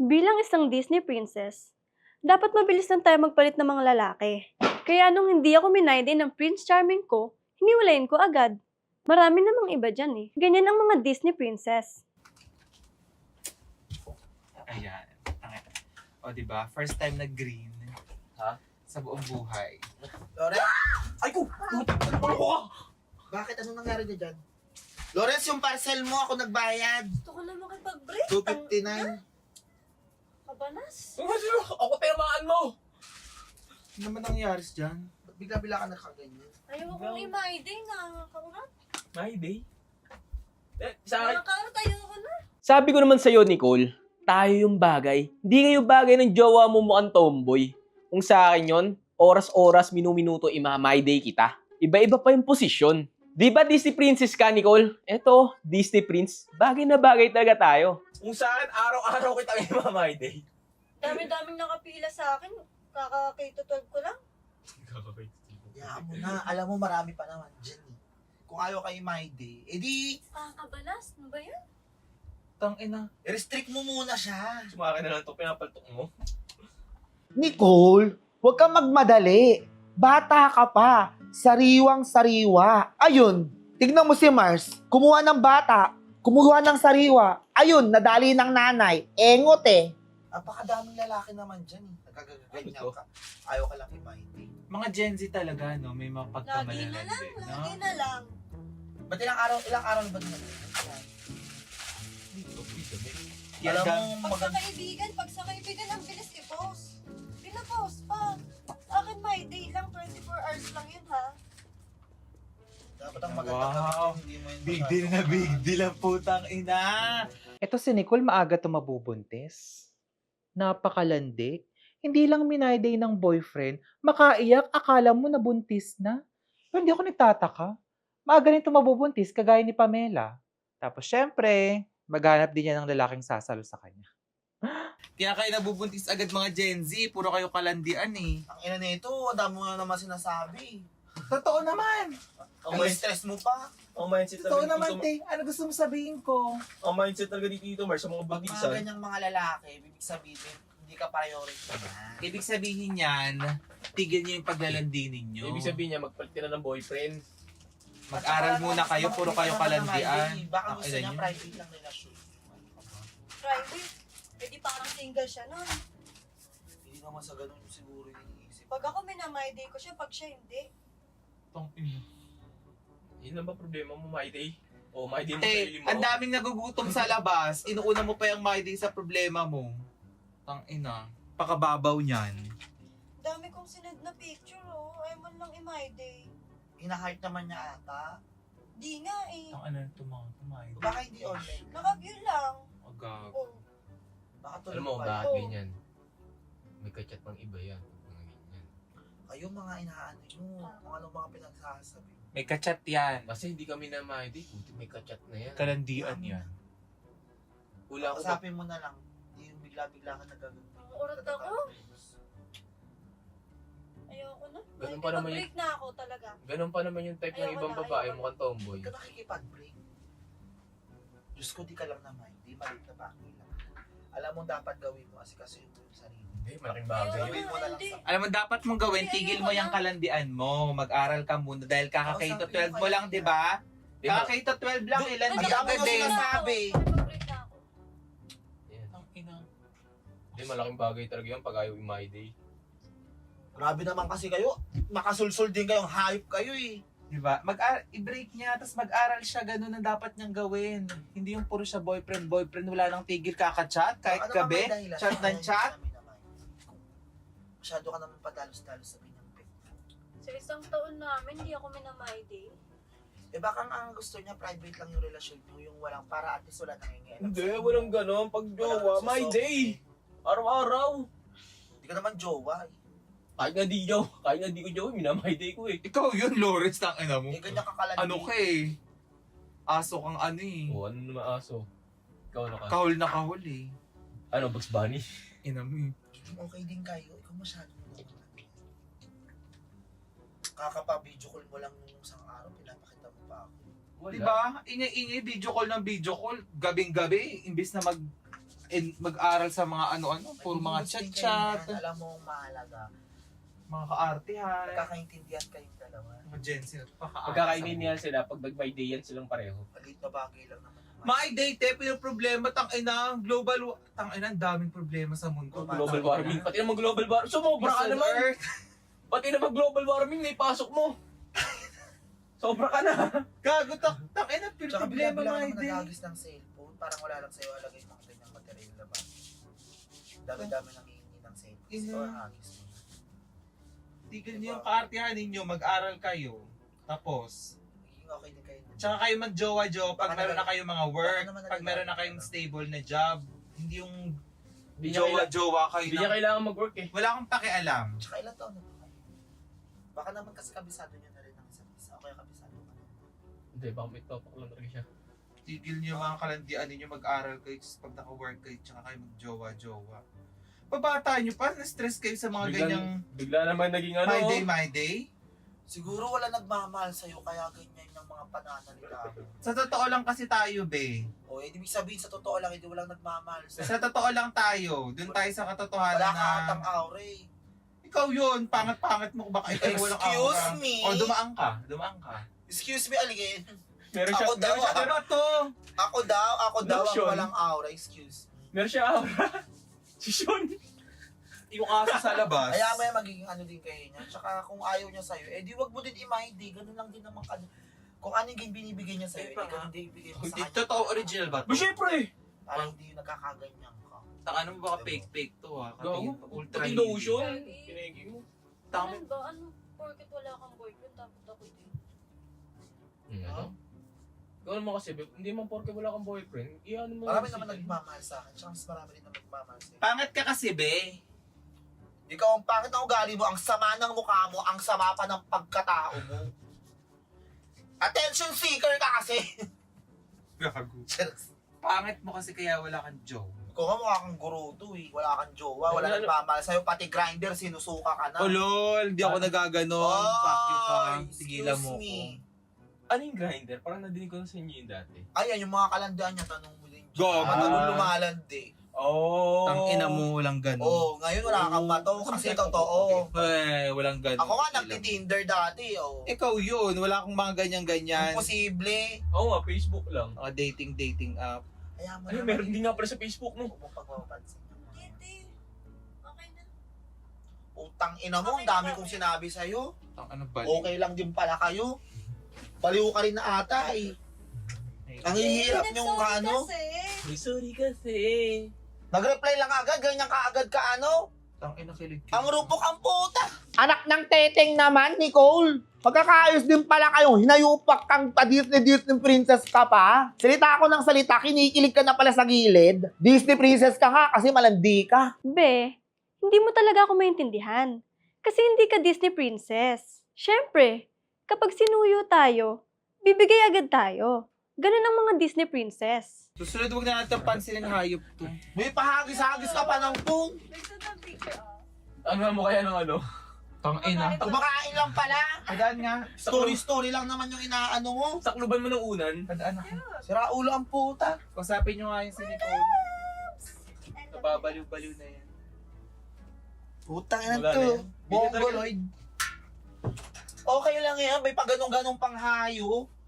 Bilang isang Disney princess, dapat mabilis lang tayo magpalit ng mga lalaki. Kaya nung hindi ako minayde ng Prince Charming ko, hiniwalayin ko agad. Marami namang iba dyan eh. Ganyan ang mga Disney princess. Ayan. O, diba? First time na green. Ha? Sa buong buhay. Lawrence? Ay ko! Ano ko? Bakit? Anong nangyari na dyan? Lawrence, yung parcel mo, ako nagbayad. Gusto ko na makipag-break. 259. Kabanas. Ako tinamaan mo! Ano naman nangyari dyan? Ba't bigla-bigla ka nakaganyan? Ayaw akong imayde nga. Kaurat. My day. Sa akin, Nakakarat ayoko na. Sabi ko naman sa'yo, Nicole, tayo yung bagay. Hindi kayo bagay ng jowa mo mukhang tomboy. Kung sa akin yon, oras-oras, minu-minuto, my day kita. Iba-iba pa yung posisyon. Di ba Disney Princess ka, Nicole? Eto, Disney Prince. Bagay na bagay talaga tayo. kung sa akin, araw-araw kita ngayon my day. Dami-daming nakapila sa akin. Kaka-K-12 ko lang. Hayaan mo na. Alam mo, marami pa naman dyan eh. Kung ayaw kay My Day, edi, Kabanas. Ano ba yan? Tangina. restrict mo muna siya. Sumakin na lang ito, pinapaltok mo. Nicole, huwag kang magmadali. Bata ka pa. Sariwang-sariwa. Ayun, tignan mo si Mars. Kumuha ng bata. Kumuha ng sariwa. Ayun, nadali ng nanay. Engot eh. Napakadaming lalaki naman dyan eh. Nagkagaganyan ka. Ayaw ka lang kay My Day. Mga Gen Z talaga, no? May mga pagkamalalandi. Lagi na lang. Ba't ilang araw na ba din? Yan Alam ka. mo, maganda. Pag sa kaibigan, ang bilis i-post. Pina-post pa. Akin my day lang, 24 hours lang yun ha. Dapat ang maganda Wow. ka. Hindi mo yun Big masyado. deal na big deal ang putang ina. Eto si Nicole maaga tumabubuntis. Napakalandi. Hindi lang minayday ng boyfriend, makaiyak, akala mo nabuntis na. Pero hindi ako nagtataka. Maaga rin tumabubuntis, kagaya ni Pamela. Tapos syempre, maghanap din niya ng lalaking sasalo sa kanya. Kaya kayo nabubuntis agad mga Gen Z. Puro kayo kalandian eh. Ang ina nito, ang dami mo na naman sinasabi. Totoo naman. Ang stress mo pa. Ang mindset Totoo talaga naman, dito, te. Ano gusto mo sabihin ko? ang mindset talaga dito, Mars, sa mga Pag mga buntisan. ganyang mga lalaki, ibig sabihin, hindi ka priority na. Ibig sabihin yan, tigil niyo yung paglalandi ninyo. Ibig sabihin niya, magpalit ka na ng boyfriend. Mag-aral muna kayo, puro kayo kalandian. Baka Ang gusto ina niya niyo. private lang relasyon. Private. Pwede parang single siya nun. Hindi naman sa ganun siguro yung iniisip. Pag ako minamay day ko siya, pag siya hindi. Yun lang ba problema mo, my day? O, my day mo Te, sarili mo? ang daming nagugutom sa labas. Inuuna mo pa yung my day sa problema mo. Tang ina. Pakababaw niyan. Dami kong sinad na picture oh. Ay man lang i-my day. Hina-heart naman niya ata. Di nga eh. Tang ano my day. Baka hindi online. Naka-view lang. Agag. Oh. Baka tuloy Alam mo, pa bakit Oo. ganyan? May kachat pang iba yan. Mga ganyan. Kayo mga inaano nyo. Kung anong mga pinagsasabi. May kachat yan. Kasi hindi kami na mahidi. Buti may kachat na yan. Kalandian yan. Wala ako ba? Usapin mo na lang. Hindi yung bigla-bigla ka nagagawin. Ang urat ako. Ayoko na. Ganun pa naman Break na ako talaga. Ganun pa naman yung type ng Ayoko ibang na, babae. ayoko. Mukhang tomboy. Huwag ka nakikipag-break. Diyos ko, di ka lang naman. Di maliit na pakila. Alam mo dapat gawin mo kasi yung sarili. Eh, malaking bagay Ayoko yun. mo na lang hindi. sa- Alam mo, dapat mong gawin, Ay, tigil ayoko mo yung na. kalandian mo. Mag-aral ka muna dahil kaka-K-12 mo lang, di ba? Eh, mal- Kaka-K-12 lang, Do- ilan Ang di dami agad mo din. sinasabi. Break na ako. Yan. Tang ina. Hindi, malaking bagay talaga yun pag ayaw my day. Grabe naman kasi kayo. Makasulsul din kayong hype kayo eh. Di ba? I-break niya, tapos mag-aral siya, ganun ang dapat niyang gawin. Hindi yung puro siya boyfriend, wala nang tigil kaka-chat, kahit Ano gabi, naman dahilan? chat ng Ano chat. namin naman? Masyado ka naman padalos-dalos sa kanyang pet. Sa isang taon namin, hindi ako minamay day. Eh baka ang gusto niya private lang yung relasyon niyo, yung walang para at least wala nangingialam. Hindi, sa inyo. walang ganon. Pag jowa, Walang my nagsusoft day! eh. Araw-araw! Hindi ka naman jowa eh. Kahit nga di jowa, kahit nga di ko jowa, minamay day ko eh. Ikaw yun, Lawrence, tang ina mo. Eh ganyan ka kalandi. Ano ka eh? Aso kang ano eh. O, ano naman aso? Ikaw na ka. Kahol na kahol eh. Ano, Bugs Bunny? Ina mo eh. Okay din kayo. Ikaw masyado. Kakapa-video call mo lang nung isang araw, pinapakita mo pa ako. Wala. Di ba? Ingay-ingay, video call ng video call. Gabing-gabi, imbis na mag-aral sa mga ano-ano, puro mga chat-chat, Alam mo ang mahalaga. mga kaartihan, Magkakaintindihan kayong dalawa. mga Gen Z, Magkakaintindihan sila pag nag-my day yan silang pareho. Maliit na bagay lang naman. My date, pero problema, tangina, tangina, ang daming problema sa mundo. Global warming. Pati naman global warming. Sumobra ka naman. Earth. Pati naman global warming, naipasok mo. Sobra ka na. Gago, tangina, pero Tsaka problema, bigla-bigla my naman day. nagagis ng cellphone. Parang wala lang sa'yo alagay yung mga ganyang material na ba? Dami-dami nang hihingi ng cellphone. Ina. So, hagis mo. Tigil niyo yung kaartihan ninyo, mag-aral kayo. Tapos, Magiging okay din kayo. tsaka kayo mag-jowa-jowa pag Baka meron na naman- kayong mga work, baka naman pag meron na kayong nagagalit. stable na job, hindi yung Hindi niya, jowa-jowa kayo hindi niya na, kailangan mag-work eh. wala akong pakialam. Tsaka ilang taon na ba kayo? Baka naman kasi kabisado nyo na rin ang isa't isa. O kaya kabisado ka na. Hindi, baka may topak lang talaga siya. Tigil niyo mga kalandian ninyo, mag-aral kayo, tapos pag naka-work kayo, tsaka kayo mag-jowa-jowa. Pabata niyo pa, na-stress kayo sa mga ganyang Bigla naman naging ano. my day. Siguro wala nagmamahal sa'yo kaya ganyan yung mga pananalita mo. Sa totoo lang kasi tayo, be. O, ibig sabihin sa totoo lang, hindi walang nagmamahal sa'yo. Sa totoo lang tayo, dun tayo sa katotohanan Wala na... ka atang aura eh. Ikaw yun, pangat-pangat mo baka ikaw walang Excuse aura. me? O dumaan ka. Excuse me, Aligin. Meron siya, Ako daw, meron siya, Ano to? Ako daw ang Lotion. walang aura. Excuse me. meron siya aura. Si Sean. Yung aso sa labas. Kaya may magiging ano din kayo niya. Tsaka kung ayaw niya sa'yo, eh di wag mo din i-mind eh. Ganun lang din naman ka. Kung ano yung binibigay niya sa'yo, eh ganun din ibigay mo sa Hindi, kanya. totoo original ba Ba to? syempre. Para hindi yung nagkakaganyan ka. Ano mo baka fake to ha? Gago. Ultra Pati hindi. lotion. Kinegi mo. Tama. ba? Ano? Porket wala kang boyfriend, tapos ako din. Ano? Ikaw naman kasi, hindi man porke wala kang boyfriend, iyan mo. Marami naman nagmamahal sa akin. Tsaka mas marami din na nagmamahal sa'yo. Pangat ka kasi, be. Ikaw ang pangit na ugali mo, ang sama ng mukha mo, ang sama pa ng pagkatao mo. Attention seeker ka kasi. Gago. Pangit mo kasi kaya wala kang joke. Ikaw nga mukha kang guruto eh. Wala kang jowa, wala nagmamahal sa'yo. Pati grinder, sinusuka ka na. Oh lol, di ako nagaganon. Fuck you ka. Ay, Tigilan mo excuse ko. me. Ano yung grinder? Parang nadinig ko na sa inyo yung dati. Ayan, yung mga kalandaan niya, tanong mo din. Gago. Matagal lumalandi. Oh. Tang ina mo, walang ganon. Oo, ngayon wala kang mato kasi totoo. Eh, walang ganon. Ako nga nagti-Tinder dati, oh. Ikaw yun, wala akong mga ganyan-ganyan. Imposible. Oo nga, Facebook lang. Mga dating app. Kaya mo Ay, meron din nga pala sa Facebook mo. Huwag mong pagpapansin niya. Hindi. Okay na. Utang ina mo, ang dami kong sinabi sa'yo. Tang ano ba? Okay lang din pala kayo. Baliw ka rin na ata eh. Ang hihirap niyong ano. Sorry kasi. Nag-reply lang agad, ganyan ka agad ka ano. Tang ina kilig. Ang rupok ang puta. Anak ng teteng naman, Nicole. Magkakaayos din pala kayo. Hinayupak kang Disney princess ka pa. Salita ako ng salita, kinikilig ka na pala sa gilid. Disney princess ka nga kasi malandi ka. Be, hindi mo talaga ako maintindihan. Kasi hindi ka Disney princess. Siyempre, kapag sinuyo tayo, bibigay agad tayo. Ganun ang mga Disney princess. Susunod, huwag na natin pansinin hayop to. May pahagis-hagis ka pa ng pung. Ano mo kaya ng ano? Tang ina. Kumakain lang pala. Padaan nga. Story lang naman yung inaano mo. Sakluban mo ng unan. Padaan ako. Sira ulo ang puta. Kusapin nyo nga yung si Nicole. Nababaliw-baliw na yan. Putang ina Wala na to. yan. Mongoloid. Okay lang yan, may pag ganong-ganong panghayo.